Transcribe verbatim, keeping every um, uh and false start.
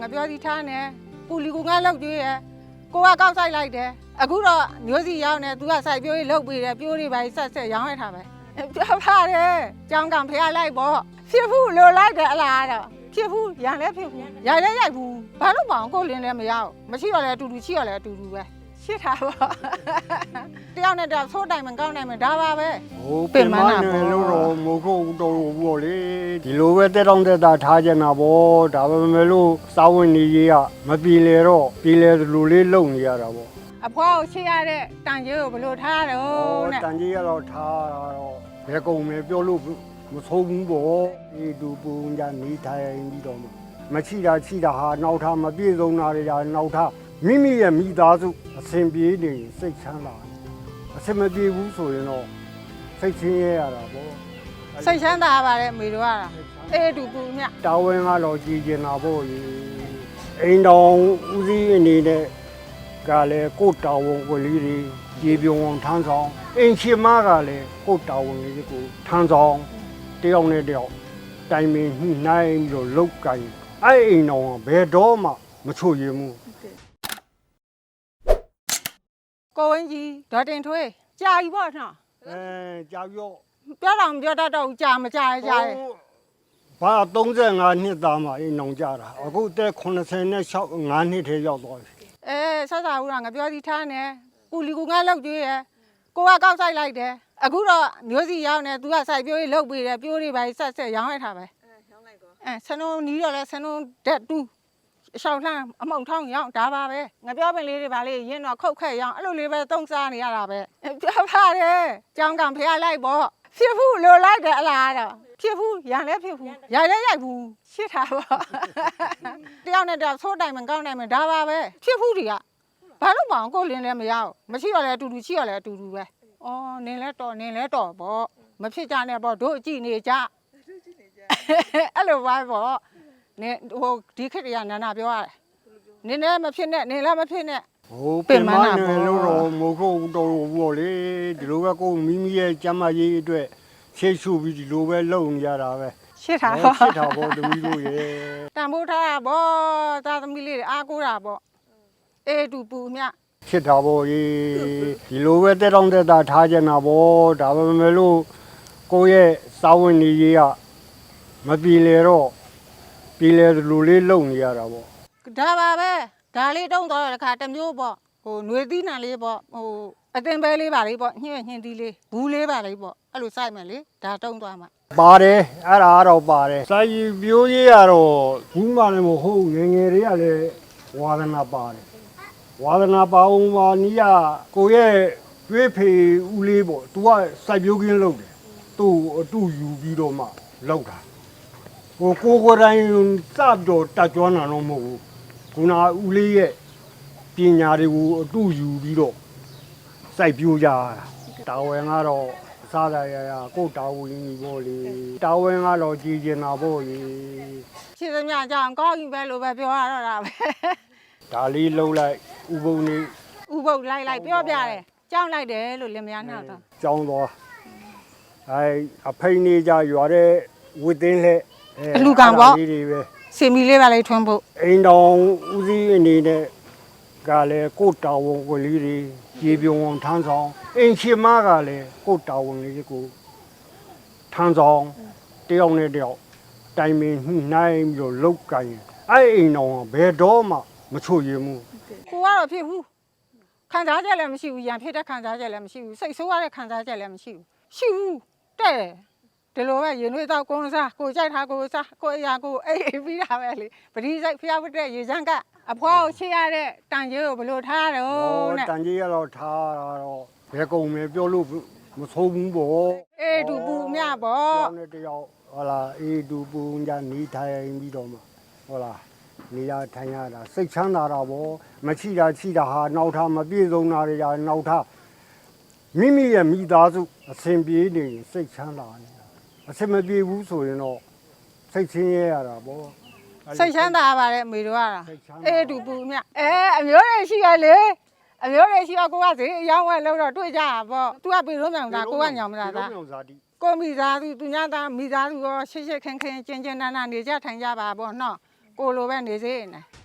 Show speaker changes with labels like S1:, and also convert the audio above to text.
S1: ငါပြောစီထားနေပူလီကူငါလောက်ကျွေးရကိုကကောက်ဆိုင်လိုက်တယ်အခုတော့မျိုးစီရောက်နေသူကစိုက်ပြိုးရေးလုပ်ပြီးတယ်ပြိုးတွေပါဆက်ဆက်ရောင်းရထားပဲပြောပါတယ်ကြောင်းကံဖျားလိုက်ပေါ့ဖြစ်ဘူးလိုလိုက်တယ်အလားတော့ဖြစ်ဘူးရန်လည်းဖြစ်ဘူးရိုက်လည်းရိုက်ဘူးဘာလို့မအောင်ကိုလင်းလည်းမရအောင်မရှိတော့လည်းအတူတူရှိတော့လည်းအတူတူပဲရှစ်တာပေါ့တယောက်နဲ့တယောက်သိုးတိုင်မကောင်းနိုင်မဒါပါပဲ
S2: ဟိုပင်မနဲ့လို့တော့မဟုတ်တော့ဘူးပေါ့လေဒီလိုပဲတက်တောင့်တက်တာထားကြတာပေါ့ဒါပေမဲ့လို့စာဝင်နေကြီးကမပြေလေတော့ပြေလေလူလေးလုံနေရတာပေါ့
S1: အဖွားကိုချစ်ရတဲ့တန်ကြီးကိုဘယ်လိုထားရတော့နဲ့
S2: တန်ကြီးကတော့ထားတော့ဘယ်ကုန်မယ်ပြောလို့မဆုံးဘူးပေါ့ဒီဒူပူညာနေထိုင်ပြီးတော့မရှိတာရှိတာဟာနောက်ထားမပြည့်စုံတာတွေကနောက်ထားမိမိရဲ့မိသားစုအစဉ်ပြေးနေစိတ်ချမ်းသာအစဉ်မပြေဘူးဆိုရင်တော့စိတ်ချင်းရရတာပေါ့
S1: စိတ်ချမ်းသာပါတယ်မေတို့ကအေးတူပူမြ
S2: တာဝန်ကတော့ကြည်ကျင်တာပေါ့လေအိမ်တော်ဦးစီးအနေနဲ့ကလည်းကိုတာဝန်ကိုလေးတွေကြေပြုံအောင်ထမ်းဆောင်အိမ်ရှင်မကလည်းကိုတာဝန်လေးကိုထမ်းဆောင်တယောက်နဲ့တယောက်တိုင်ပင်ညှိနှိုင်းပြီးတော့လုပ်ကြရင်အဲ့အိမ်တော်ဘယ်တော့မှမချွတ်ရင်ဘူး
S1: ကိုဝင်းကြီးဒေါ်တင်ထွေးကြာပြီပေါ့နော်
S2: အဲကြာပြီတော့
S1: ပြောတော့မပြောတတ်တော့ကြာမကြာရကြာတယ်
S2: ဘာသုံးဆယ်ငါးနှစ်သားမှအိမ်အောင်ကြတာအခုတက်ခုနှစ်ဆယ်နဲ့ငါးနှစ်ထဲရောက်သွားပြီ
S1: အဲဆက်စားဦးကငါပြောစီထားနေပူလီကူငါလောက်ကျွေးရကိုကကောက်ဆိုင်လိုက်တယ်အခုတော့မျိုးစီရောက်နေသူကစိုက်ပြိုးရေးလုပ်ပြီးတယ်ပြိုးတွေပါဆက်ဆက်ရောင်းရထားပဲအဲရောင်းလိုက်ကောအဲဆနုံနီးတော့လဲဆနုံတက်တူးရှောက်လှမ်းအမုံထောင်းရောင်းဒါပါပဲငါပြောပင်လေးတွေပါလေရင်းတော့ခုတ်ခက်ရောင်းအဲ့လိုလေးပဲတုံးစားနေရတာပဲပြောပါတယ်ကြောင်းကံဖျားလိုက်ပေါ့ဖြစ်ဘူးလိုလိုက်တယ်အလားတော့ဖြစ်ဘူးရန်လည်းဖြစ်ဘူးရိုက်လည်းရိုက်ဘူးရှစ်တာပေါ့တယောက်နဲ့တယောက်သိုးတိုင်မကောင်းနိုင်မဒါပါပဲဖြစ်ဘူးတွေကဘာလို့မအောင်ကိုလင်းလည်းမရအောင်မရှိတော့လည်းအတူတူရှိတော့လည်းအတူတူပဲဩနင်းလဲတော့နင်းလဲတော့ပေါ့မဖြစ်ကြနဲ့ပေါ့တို့ကြည့်နေကြအဲ့လိုပါပေါ့နေဟိုဒီခေတ်တွေကနာနာပြောရတယ်နင်းလည်းမဖြစ်နဲ့နင်းလည်းမဖြစ်နဲ့
S2: ဟိုပင်မနဲ့လို့တော့မဟုတ်တော့ဘူးပေါ့လေဒီလိုပဲကိုမိမိရဲ့ကျမ်းမာရေးအတွက်ရှေ့ရှုပြီးဒီလိုပဲလုပ်နေရတာပဲ
S1: ရှစ်တာပေါ့
S2: ရှစ်တာပေါ့သမီးတို့ရေ
S1: တန်ဖိုးထားတာပေါ့သားသမီးလေးတွေအားကိုးတာပေါ့အေးတူပူမြ
S2: ရှစ်တာပေါ့ရေဒီလိုပဲတက်တောင့်တက်တာထားကြတာပေါ့ဒါပေမဲ့လို့ကိုရဲ့စာဝင်နေကြီးကမပြေလေတော့ပြေလေလူလေးလုံနေရတာပေါ့
S1: ဒါပါပဲဒါလေးတုံးတော့တခါတစ်မျိုးပေါ့ဟိုຫນွေသီးနံလေးပေါ့ဟိုအတင်ပဲလေးပါလေးပေါ့ညှင်းညှင်းသီးလေးဘူးလေးပါလေးပေါ့အဲ့လိုစိုက်မယ်လေဒါတုံးသွားမှာ
S2: ပါတယ်အဲ့ဒါတော့ပါတယ်စိုက်ပြိုးကြီးကတော့ဘူးမှလည်းမဟုတ်ငယ်ငယ်တွေကလည်းဝါသနာပါတယ်ဝါသနာပါအောင်ပါနီးကကိုရဲ့တွေးဖေဦးလေးပေါ့သူကစိုက်ပြိုးကင်းလုပ်တယ်သူ့အတူယူပြီးတော့မှလောက်တာဟိုကိုကိုတိုင်းစတော့တက်ကြွနာတော့မဟုတ်ဘူးခုနဦးလေးရဲ့ပညာတွေကိုအတူယူပြီးတော့စိုက်ပြိုးကြတာတာဝန်ကတော့စားရရကိုတာဝန်ကြီးပေါ့လေတာဝန်ကတော့ကြည်ကျင်တာပေါ့လေ
S1: ရှင်းသမျှကြောင်ကောင်းပြီပဲလို့ပဲပြောရတော့တာပဲ
S2: ဒါလေးလှုပ်လိုက်ဥပုံနေ
S1: ဥပုပ်လိုက်လိုက်ပြောပြတယ်ကြောင်းလိုက်တယ်လို့လင်မယားနောက်တော့
S2: ကြောင်းသွားအဲအဖိနေကြရွာတဲ့ဝစ်တင်းလက်
S1: အလူကံပေါ့စင်မီလေးပါလေးထွန်းဖို့
S2: အိမ်တော်ဦးစီးအနေနဲ့ကလည်းကိုတာဝန်ကိုလေးတွေကြေပြုံအောင်ထမ်းဆောင်အိမ်ရှင်မကလည်းကိုတာဝန်လေးကိုထမ်းဆောင်တယောက်နဲ့တယောက်တိုင်ပင်ညှိနှိုင်းပြီးတော့လုပ်ကြရင်အဲ့အိမ်တော်ဘယ်တော့မှမချွတ်ရင်ဘူး
S1: ကိုကတော့ဖြစ်ဘူးခံစားချက်လည်းမရှိဘူးရန်ဖြစ်တဲ့ခံစားချက်လည်းမရှိဘူးစိတ်ဆိုးရတဲ့ခံစားချက်လည်းမရှိဘူးရှိဘူးတဲ့ဒီလိုပဲရင်သွေးတော့ကိုယ်စားကိုကြိုက်ထားကိုစားကိုအရာကိုအေးအေးပြီးတာပဲလေပတိစိတ်ဖျားဖတဲ့ရေချမ်းကအဖွားကိုချစ်ရတဲ့တန်ကြီးကိုဘယ်လိုထားရတော့
S2: နဲ့တန်ကြီးကတော့ထားတော့ဘယ်ကုန်မယ်ပြောလို့မဆုံးဘူးပေါ့
S1: အေးတူပူမြပေါ့
S2: တယောက်နဲ့တယောက်ဟောလားအေးတူပူညာနေထိုင်ပြီးတော့မှဟောလားနေရထိုင်ရတာစိတ်ချမ်းသာတာပေါ့မရှိတာရှိတာဟာနောက်ထားမပြည့်စုံတာတွေကနောက်ထားမိမိရဲ့မိသားစုအစဉ်ပြေးနေစိတ်ချမ်းသာနေတာအစဉ်မပြေဘူးဆိုရင်တော့စိတ်ချင်းရရတာပေါ့
S1: စိတ်ချမ်းသာပါတယ်အမေတို့ကအေးတူပူမြအဲအမျိုးတွေရှိရလေအမျိုးတွေရှိရကိုကဈေးအယောင်းဝဲလို့တော့တွေ့ကြတာပေါ့သူကပြေလုံးမြောင်သားကိုကညောင်မလားသားကိုမိသားစုသူညာသားမိသားစုရောရှစ်ရှစ်ခင်းခင်းကျင်းကျင်းနာနာနေကြထိုင်ကြပါပေါ့နော်ကိုလိုပဲနေစေနေ